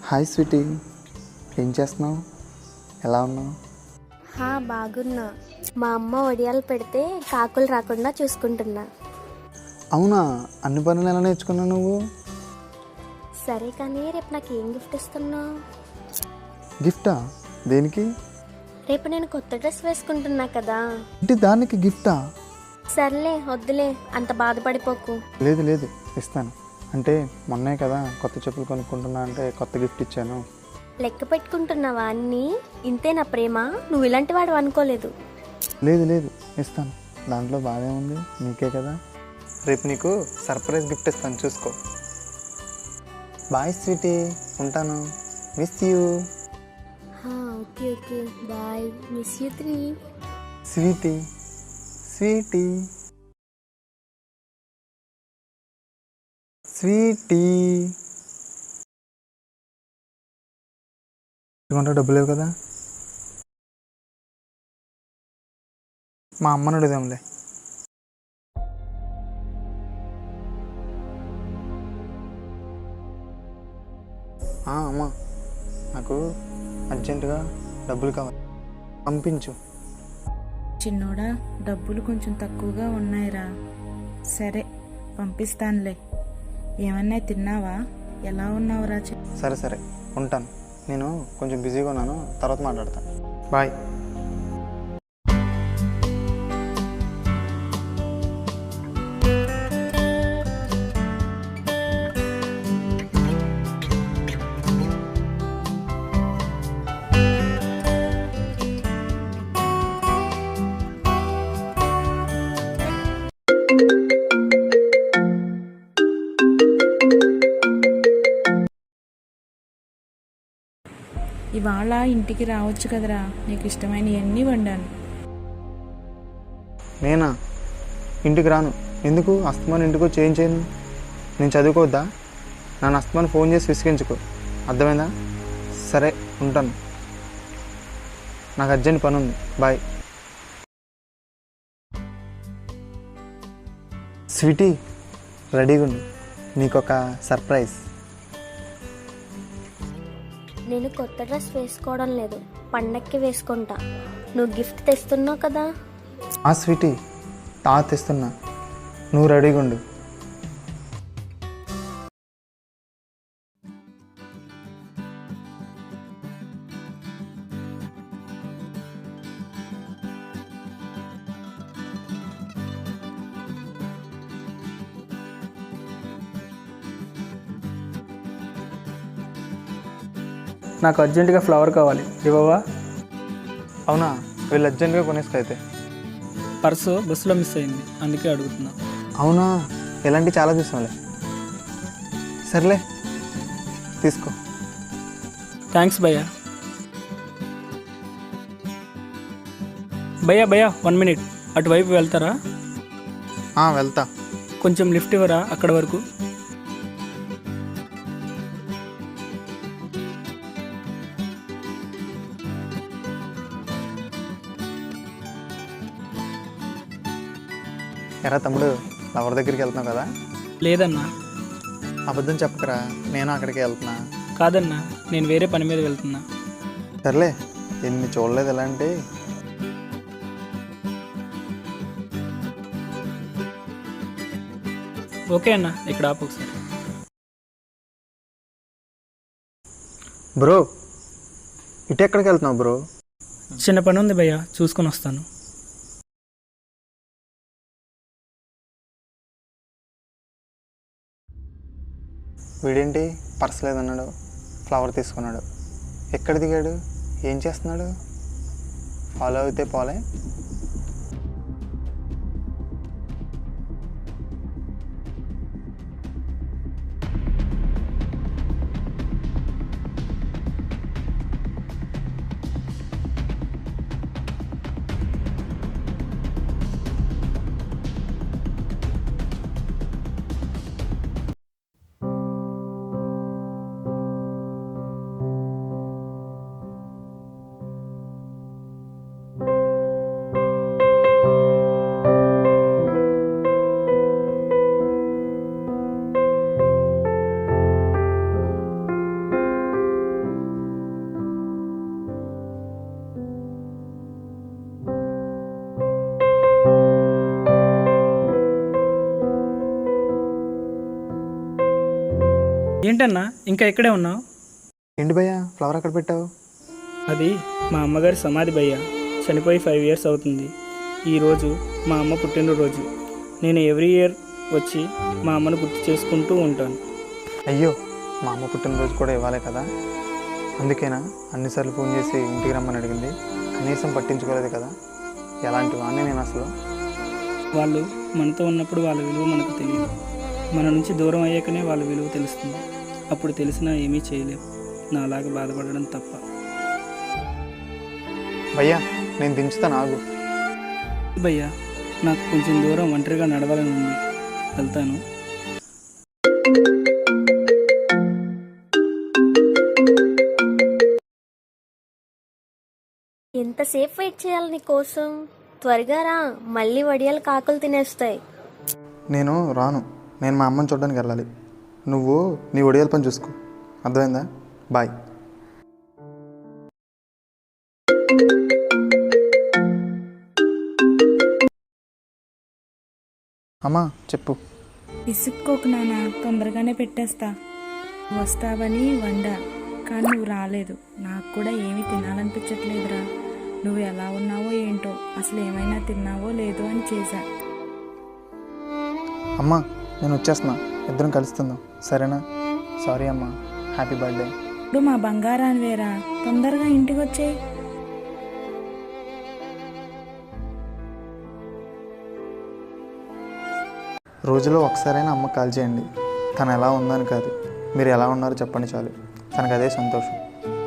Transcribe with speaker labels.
Speaker 1: Hi Sweety, ఏం చేస్తున్నావు? ఎలా ఉన్నావు?
Speaker 2: బాగున్నా. మా అమ్మ వడియాలు పెడితే కాకులు రాకుండా చూసుకుంటున్నా.
Speaker 1: అవునా, అన్ని పనులు ఎలా నేర్చుకున్నావు నువ్వు?
Speaker 2: సరే కానీ రేపు నాకు ఏం గిఫ్ట్ ఇస్తున్నావు?
Speaker 1: గిఫ్టా? దేనికి?
Speaker 2: రేపు నేను కొత్త డ్రెస్ వేసుకుంటున్నా కదా.
Speaker 1: ఇంటి దానికి గిఫ్టా?
Speaker 2: సర్లే వద్దులే, అంత బాధపడిపోకు.
Speaker 1: లేదు లేదు, ఇస్తాను. అంటే మొన్నే కదా కొత్త చెప్పులు కొనుక్కుంటున్నా అంటే కొత్త గిఫ్ట్ ఇచ్చాను.
Speaker 2: లెక్క పెట్టుకుంటున్నావా అన్నీ? ఇంతే నా ప్రేమ? నువ్వు ఇలాంటి వాడు అనుకోలేదు.
Speaker 1: లేదు లేదు, ఇస్తాను. దాంట్లో బాగా ఉంది, నీకే కదా. రేపు నీకు సర్ప్రైజ్ గిఫ్ట్ ఇస్తాను, చూసుకో. బాయ్ స్వీటీ, ఉంటాను. Miss you.
Speaker 2: Okay okay, bye. Miss you 3.
Speaker 1: Sweetie sweetie sweetie. ఇవ్వంటే డబ్బులు లేవు కదా, మా అమ్మని అడుగుదాంలే. అమ్మా, నాకు అర్జెంటుగా డబ్బులు కావాలి, పంపించు.
Speaker 3: చిన్నోడా, డబ్బులు కొంచెం తక్కువగా ఉన్నాయిరా. సరే పంపిస్తానులే. ఏమన్నా తిన్నావా? ఎలా ఉన్నావురా?
Speaker 1: సరే సరే, ఉంటాను. నేను కొంచెం బిజీగా ఉన్నాను, తర్వాత మాట్లాడతాను. బాయ్.
Speaker 3: ఇవాళ ఇంటికి రావచ్చు కదరా, నీకు ఇష్టమైనవన్నీ వండాను.
Speaker 1: నేనా? ఇంటికి రాను. ఎందుకు? అస్తమాన్ ఇంటికి వచ్చి ఏం చేయను? నేను చదువుకోవద్దా? నన్ను అస్తమాన్ ఫోన్ చేసి విసిగించుకో, అర్థమైందా? సరే, ఉంటాను. నాకు అర్జెంట్ పని ఉంది, బాయ్. స్వీటీ, రెడీగా ఉండు, నీకొక సర్ప్రైజ్.
Speaker 2: నేను కొత్త డ్రెస్ వేసుకోవడం లేదు, పండక్కి వేసుకుంటా. నువ్వు గిఫ్ట్ తెస్తున్నావు కదా.
Speaker 1: స్వీటీ, తెస్తున్నా, నువ్వు రెడీగా ఉండు.
Speaker 4: నాకు అర్జెంటుగా ఫ్లవర్ కావాలి, ఇవ్వవా?
Speaker 1: అవునా, వీళ్ళు అర్జెంటుగా కొనేసుకో అయితే.
Speaker 4: పర్సు బస్సులో మిస్ అయింది, అందుకే అడుగుతున్నా.
Speaker 1: అవునా, ఇలాంటివి చాలా చూసాంలే. సర్లే, తీసుకో.
Speaker 4: థ్యాంక్స్ భయ్యా. భయ్యా భయ్యా, 1 మినిట్, అటువైపు వెళ్తారా?
Speaker 1: వెళ్తా.
Speaker 4: కొంచెం లిఫ్ట్ ఇవ్వరా అక్కడ వరకు?
Speaker 1: ఎరా తమ్ముడు, లవర్ దగ్గరికి వెళ్తున్నావు కదా?
Speaker 4: లేదన్నా.
Speaker 1: అబద్ధం చెప్పకరా, నేను అక్కడికి వెళ్తున్నా.
Speaker 4: కాదన్నా, నేను వేరే పని మీద వెళ్తున్నా.
Speaker 1: సర్లే, ఎన్ని చూడలేదు ఎలాంటి.
Speaker 4: ఓకే అన్న, ఇక్కడ ఆపు ఒకసారి.
Speaker 1: బ్రో, ఇటు ఎక్కడికి వెళ్తున్నావు బ్రో?
Speaker 4: చిన్న పని ఉంది భయ్యా, చూసుకొని వస్తాను.
Speaker 1: వీడేంటి పర్స్ లేదన్నాడు, ఫ్లవర్ తీసుకున్నాడు. ఎక్కడ దిగాడు? ఏం చేస్తున్నాడు? ఫాలో అయితే పోలే.
Speaker 4: ఏంటన్నా ఇంకా ఇక్కడే ఉన్నావు?
Speaker 1: ఏంటి భయ్యా ఫ్లవర్ అక్కడ పెట్టావు?
Speaker 4: అది మా అమ్మగారి సమాధి భయ్య. చనిపోయి 5 years అవుతుంది. ఈరోజు మా అమ్మ పుట్టినరోజు. నేను ఎవ్రీ ఇయర్ వచ్చి మా అమ్మను గుర్తు చేసుకుంటూ ఉంటాను.
Speaker 1: అయ్యో, మా అమ్మ పుట్టినరోజు కూడా ఇవ్వాలి కదా, అందుకేనా అన్నిసార్లు ఫోన్ చేసి ఇంటికి రమ్మని అడిగింది? కనీసం పట్టించుకోలేదు కదా. ఎలాంటి వాడిని నేను అసలు.
Speaker 4: వాళ్ళు మనతో ఉన్నప్పుడు వాళ్ళ విలువ మనకు తెలియదు. మన నుంచి దూరం అయ్యాకనే వాళ్ళ విలువ తెలుస్తుంది. అప్పుడు తెలిసినా ఏమీ చేయలేం. నాలాగా బాధపడడం తప్ప.
Speaker 1: భయ్యా నేను దించుతాను, ఆగు.
Speaker 4: భయ్యా నాకు కొంచెం దూరం ఒంటరిగా నడవాలని ఉంది, వెళ్తాను.
Speaker 2: ఎంతసేపు వెయిట్ చేయాలి నీ కోసం? త్వరగా రా, మళ్ళీ వడియాలు కాకులు తినేస్తాయి.
Speaker 1: నేను రాను. నేను మా అమ్మని చూడడానికి వెళ్ళాలి. నువ్వు నీ ఒడియాల పని చూసుకో, అర్థమైందా? బాయ్. అమ్మా చెప్పు.
Speaker 3: విసుక్కోకు నాన్న, తొందరగానే పెట్టేస్తా. వస్తావని వండా, కానీ నువ్వు రాలేదు. నాకు కూడా ఏమీ తినాలనిపించట్లేదురా. నువ్వు ఎలా ఉన్నావో ఏంటో, అసలు ఏమైనా తిన్నావో లేదో అని చేశా.
Speaker 1: అమ్మా నేను వచ్చేస్తున్నా, ఇద్దరం కలుస్తుందాం, సరేనా? సారీ అమ్మా, హ్యాపీ బర్త్డే.
Speaker 3: ఇప్పుడు మా బంగారాన్ని వేరా, తొందరగా ఇంటికి వచ్చేయి.
Speaker 1: రోజులో ఒకసారైనా అమ్మ కాల్ చేయండి. తను ఎలా ఉందని కాదు, మీరు ఎలా ఉన్నారో చెప్పండి చాలు. తనకు అదే సంతోషం.